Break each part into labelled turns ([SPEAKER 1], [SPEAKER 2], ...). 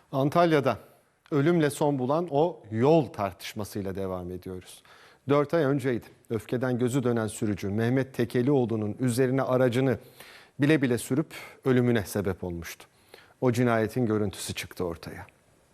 [SPEAKER 1] Antalya'da ölümle son bulan o yol tartışmasıyla devam ediyoruz. 4 ay önceydi. Öfkeden gözü dönen sürücü Mehmet Tekelioğlu'nun üzerine aracını bile bile sürüp ölümüne sebep olmuştu. O cinayetin görüntüsü çıktı ortaya.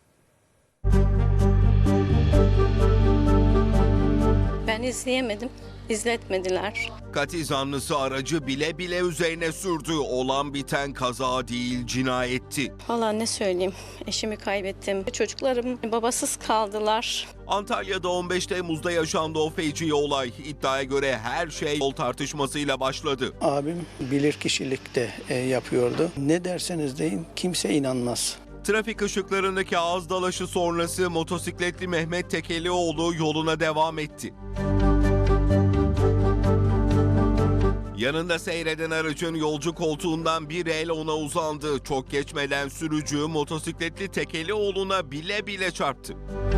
[SPEAKER 2] Ben izleyemedim, izletmediler.
[SPEAKER 3] Katil zanlısı aracı bile bile üzerine sürdü. Olan biten kaza değil, cinayetti.
[SPEAKER 2] Vallahi ne söyleyeyim, eşimi kaybettim. Çocuklarım babasız kaldılar.
[SPEAKER 3] Antalya'da 15 Temmuz'da yaşandı o feci olay. İddiaya göre her şey yol tartışmasıyla başladı.
[SPEAKER 4] Abim bilirkişilikte yapıyordu. Ne derseniz deyin kimse inanmaz.
[SPEAKER 3] Trafik ışıklarındaki ağız dalaşı sonrası motosikletli Mehmet Tekelioğlu yoluna devam etti. Yanında seyreden aracın yolcu koltuğundan bir el ona uzandı. Çok geçmeden sürücü motosikletli Tekelioğlu'na bile bile çarptı.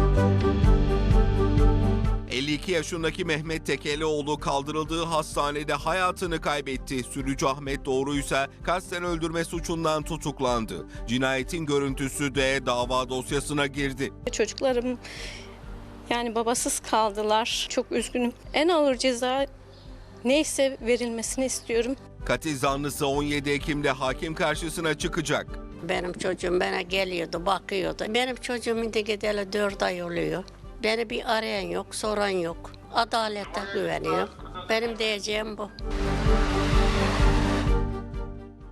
[SPEAKER 3] 52 yaşındaki Mehmet Tekelioğlu kaldırıldığı hastanede hayatını kaybetti. Sürücü Ahmet Doğru ise kasten öldürme suçundan tutuklandı. Cinayetin görüntüsü de dava dosyasına girdi.
[SPEAKER 2] Çocuklarım yani babasız kaldılar. Çok üzgünüm. En ağır ceza neyse verilmesini istiyorum.
[SPEAKER 3] Katil zanlısı 17 Ekim'de hakim karşısına çıkacak.
[SPEAKER 5] Benim çocuğum bana geliyordu, bakıyordu. Benim çocuğum de gideli 4 ay oluyor. Beni bir arayan yok, soran yok. Adalete güveniyor. Benim diyeceğim bu.